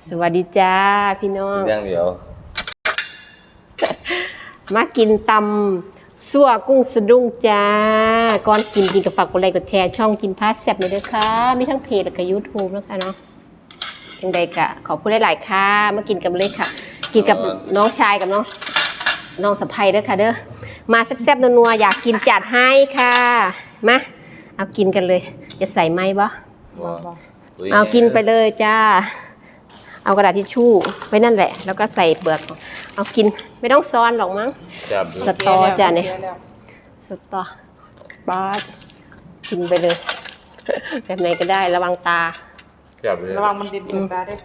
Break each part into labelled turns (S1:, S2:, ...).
S1: สวัสดีจ้าพี่น้อง
S2: อย่างเดียว
S1: มากินตำซั่วกุ้งสะดุ้งจ้าก่อนกินกับฝากกดไลค์กดแชร์ช่องกินพาสแซ่บเลยด้วยค่ะมีทั้งเพจและก็ YouTube นะคะเนาะจังใดกะขอบคุณหลายๆค่ะมากินกันเลยค่ะกินกับน้องชายกับน้องสะใภ้เด้อค่ะเด้อมาแซ่บๆนัวๆอยากกินจัดให้ค่ะมาเอากินกันเลยจะใส่ไหมบ่เอากินไปเลยจ้าเอากระดาษทิชชู่ไว้นั่นแหละแล้วก็ใส่เปลือกเอากินไม่ต้องซ้อนหรอกมั้งสตอจ้ะเนี่ยสตอบ้ากินไปเลยแบบไหนก็ได้ระวังตา
S3: ระวังมันดินตาด้วย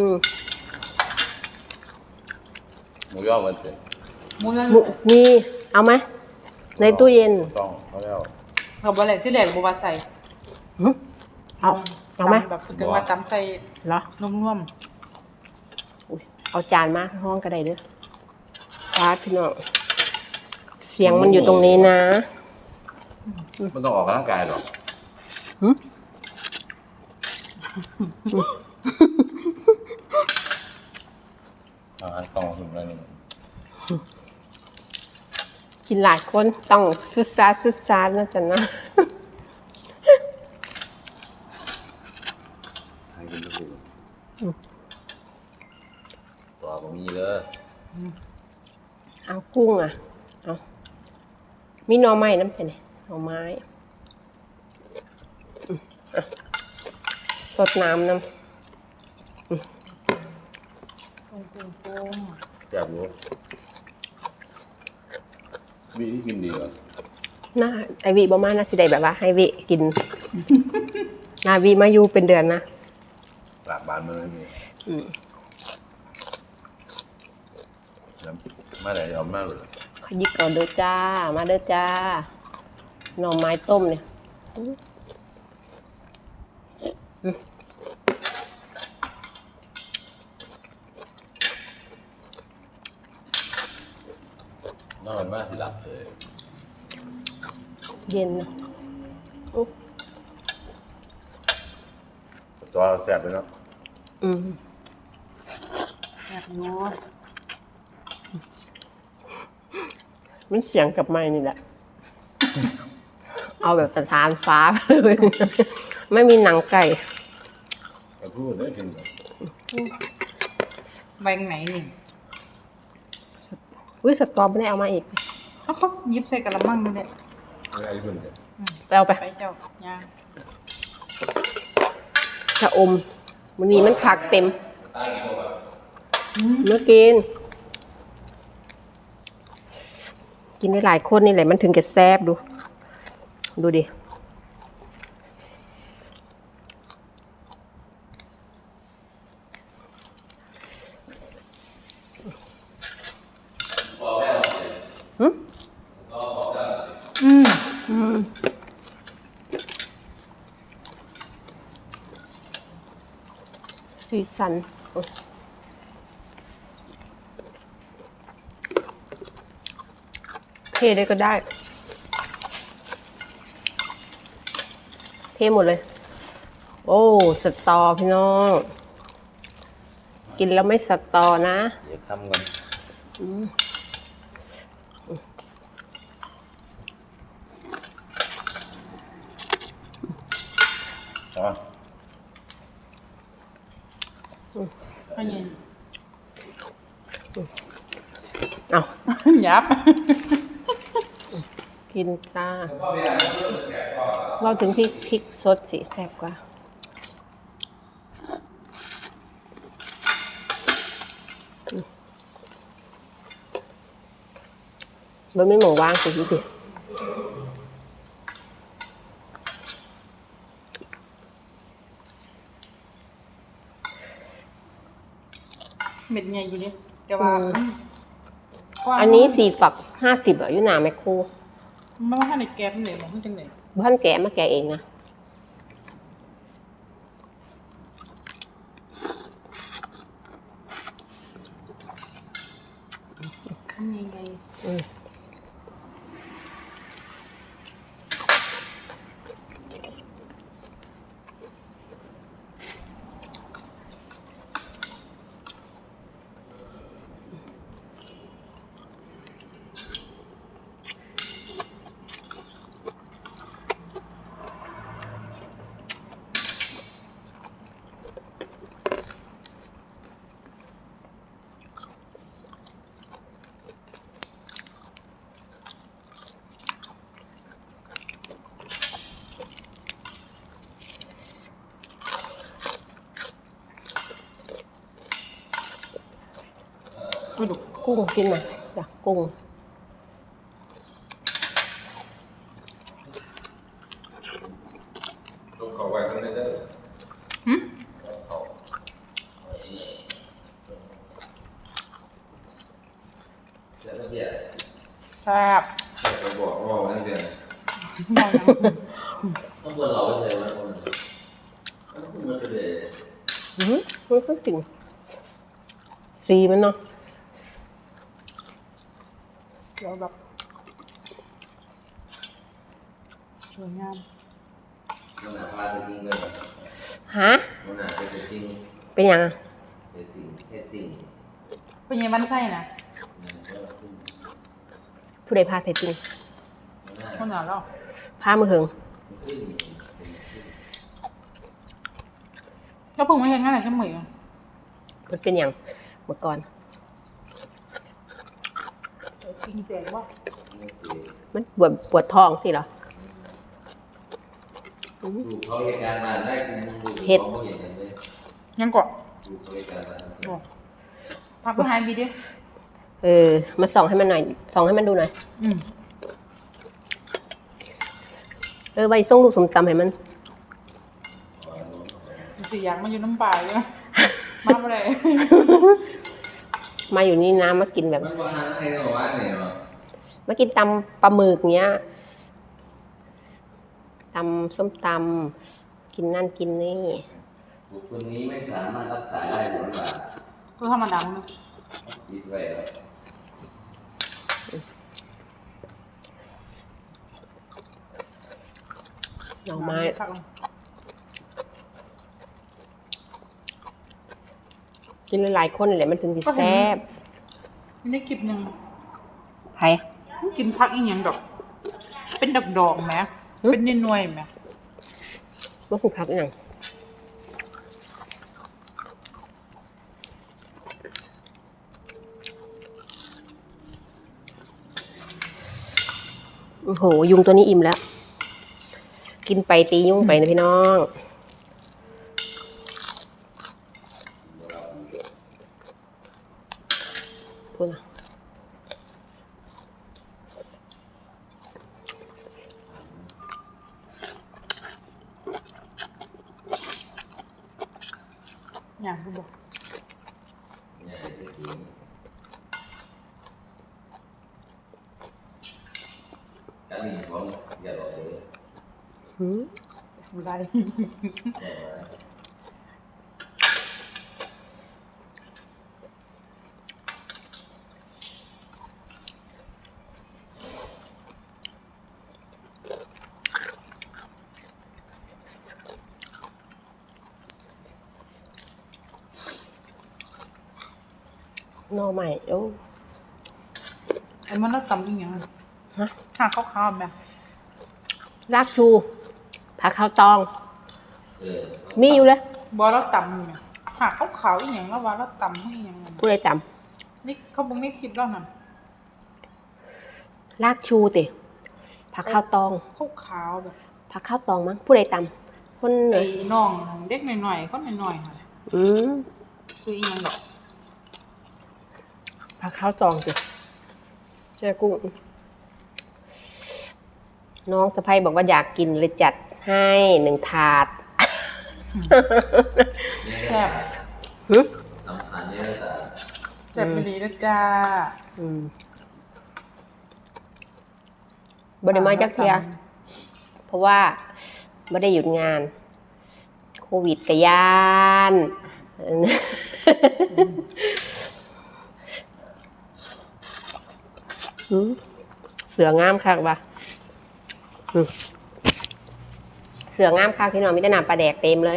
S2: หมูย่อมันเป็น
S1: มีเอาไหมในตู้เย็น
S2: ต้องเขาแล้ว
S3: เขาบอกอะไรที่แหลกบัวใส่
S1: เอาไหม
S3: แบบถึงว่าตำใส่
S1: เหรอ
S3: นุ่ม
S1: เอาจานมาห้องก็ได้เด้อปาดพี่น้องเสียงมันอยู่ตรงนี้นะ
S2: มันต้องออกกำลังกายหรอกต้องถึงแล้วนี่
S1: กินหลายคนต้องซึซานะจ๊ะนะ
S2: ให้กินทุกตัวก็มีเลย
S1: เอากุ้งอ่ะเอามีหน่อไม้น้ำใช่ไหมหน่อไม้สดน้ำน้ำ
S2: แซ่บรู้วิธีกินดีเหรอ
S1: น่าไอวิบ่มาน่าสิได้แบบว่าให้วิกินนาวิมาอยู่เป็นเดือนนะ
S2: หลักบานมันไม่มีมาไหนเอามากเลย
S1: ขยิบก่อนเด้อจ้ามาเด้อจ้าหน่อไม้ต้มเนี่ย
S2: นอนมากหลับเลย
S1: เย็นนะ
S2: ตัวแซ่บเลยเนาะ
S3: แซ่บนัว
S1: มันเสียงกับไม้นี่แหละเอาแบบสถานฟ้าเลยไม่มีหนังไก่
S2: แต่พูดได้กิน
S3: แบงไหนนี่
S1: สตอไม่ได้เอามาอีก
S3: เขายิบใส่กระมังนี่แหละ
S2: อะไรที่มันเนี่ย
S1: ไปเอาไป
S3: เจ้าย่าง
S1: ชะอมมันมีมันผักเต็มเมื่อกินได้หลายคนนี่แหละมันถึงจะแซ่บดูดิสีสันเทได้ก็ได้เทหมดเลยโอ้สตอพี่น้องกินแล้วไม่สตอนะ
S2: เดี๋ยวทำกัน
S1: เอา
S3: ยับ
S1: กินจ้าเราถึงพริกสดสีแซ่บกว่ามันไม่หมูว่างสิพี่เดีย
S3: เม็ดใหญ่อยู่เนี่ยแต่ว่า
S1: อันนี้4 ฝัก 50อ่ะอยู่หน้าแมคโคร
S3: มันว่าในแก๊สนี่มันจังไหน
S1: บ้านแกะมาแกะเองนะ
S3: ยังไงกระดูก
S1: กุ้งกินหน่อยจ้ะกุ้ง
S2: ต้องเข้าไว้ข้างในเด้อ
S3: หึ
S2: เข้า
S4: แล้วก็เดี๋ยว
S3: แซ่บ
S2: ไปบอกว่านั่นเดียว
S3: บอกยัง
S4: ต้องควรเราไปเลยว่าคนต้องพูดมาเลย
S1: มันก็จริงสีมันเนาะ
S3: เดี๋ยวแบบสวยงาม
S4: มันหนาพาจะจริงเลย
S1: ฮะ
S4: มันหนาจะจริง
S1: เป็นยังอะ
S4: เซตติ้ง
S3: เป็นยังมันไส้นะ
S1: ผู้ใดพาใส่จริง
S3: คนหนาแล้ว
S1: พามือเหิง
S3: ก็เพิ่งมาเห็นงานไหนจะเหมือน
S1: มันเป็นอย่างเมื่อก่อน
S3: จริงแจกว่า
S1: มันปวดท้องสิเหรอ
S4: ดูเขาเหตุการณ์มาได้คุณดูเขาเห็นเลย
S3: ยังกว่า
S4: ดูเขาเหตุการณ์มา
S3: บอกพักไปหายบีดิ
S1: มาส่องให้มันหน่อยส่องให้มันดูหน่อย ไว้ส่งลูกสมตำให้มัน
S3: สิอยากมาอยู่น้ำปลาเลยมาอะไร
S1: มาอยู่นี่นะมากินแบบ
S4: มันว่าให้เราว่าเนี่ยเนาะ
S1: มากินตำปลาหมึกเงี้ยตำส้มตำกินนั่นกินนี่
S4: บุคคลนี้ไม่สามารถรักษาได้หรือเปล่า
S3: ก็ธรรมดาเลย
S4: คิดไว้แล้ว
S1: หน่อไม้กินหลายๆคนเลยมันถึงสิแซ่บ
S3: ไม่ได้คลิปหนึ่ง
S1: ใคร
S3: กินพักอีกอย่างดอก เป็นดอกๆไหมเป็นหน่วยๆไหม
S1: ว่าคุณพักอย่างโอ้โห ยุงตัวนี้อิ่มแล้ว กินไปตียุงไปนะพี่น้องพูดนะ
S3: อย่างที่บอก
S4: เนี่ยที่จริงการหนีของอย่าหลอกเลย
S1: หืม
S3: อะไร
S1: หน่อใหม่โอ้
S3: ไอ้มันน่าตำอีกอย่าง
S1: ฮะ
S3: หาข้าวๆไหม
S1: รากชูผักข้าวตอง
S4: เออ
S1: มีอยู่เลย
S3: บอแล้วตำเนี่ยหาขาวๆอีกอย่างแล้วว่าแล้วตำให้อีกอย่างนั้น
S1: ผู้ใดจ
S3: นี่เขาบอกนี่คลิปแล้วนะ
S1: ำรากชูติผักข้าวตอง
S3: ขาวๆแบบ
S1: ผักข้าวตองมั้งผู้ใดจำคนเหนื
S3: ไอ้
S1: อ
S3: น้องเด็กหน่อยๆก็หน่อยๆค่ะ
S1: อืม
S3: คืออีกอย่างดอก
S1: ผักข้าวตองสิแช่กุ้งน้องสะใภ้บอกว่าอยากกินเลยจัดให้1 ถาด
S3: แซ่บ
S1: หึ
S4: สำคัญเนี่ยแต่
S3: แซ่บไปดีนะจ้า
S1: บริมาจักเทียเพราะว่าไม่ได้หยุดงาน โควิดกะยานเสืองามคักปะเสืองามคักพี่น้องมีแต่น้ำปลาแดกเต็มเลย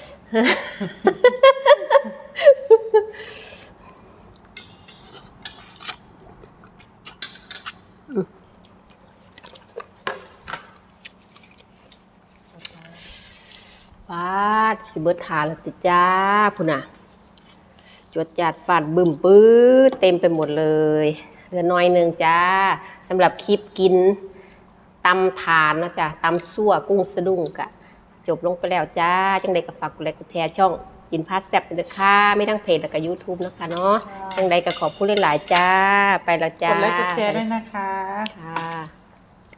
S1: ฟาดสิเบิดทาแล้วติจ้าพุ่นน่ะจวดจัดฟาดบึ้มปื้ดเต็มไปหมดเลยเหลือน้อยหนึ่งจ้าสำหรับคลิปกินตำถานเนาะจ้ะตำซั่วกุ้งสะดุ้งกะจบลงไปแล้วจ้าจังใดก็ฝากกดไลค์กดแชร์ช่องกินพาสแซ่บเลยค่ะไม่ทั้งเพจแล้วก็ YouTube นะคะเนาะจังใดก็ขอบคุณหลายๆจ้า ไปแล้วจ้าก
S3: ดไลค์กดแชร์ด้วยนะคะ
S1: ค่ะ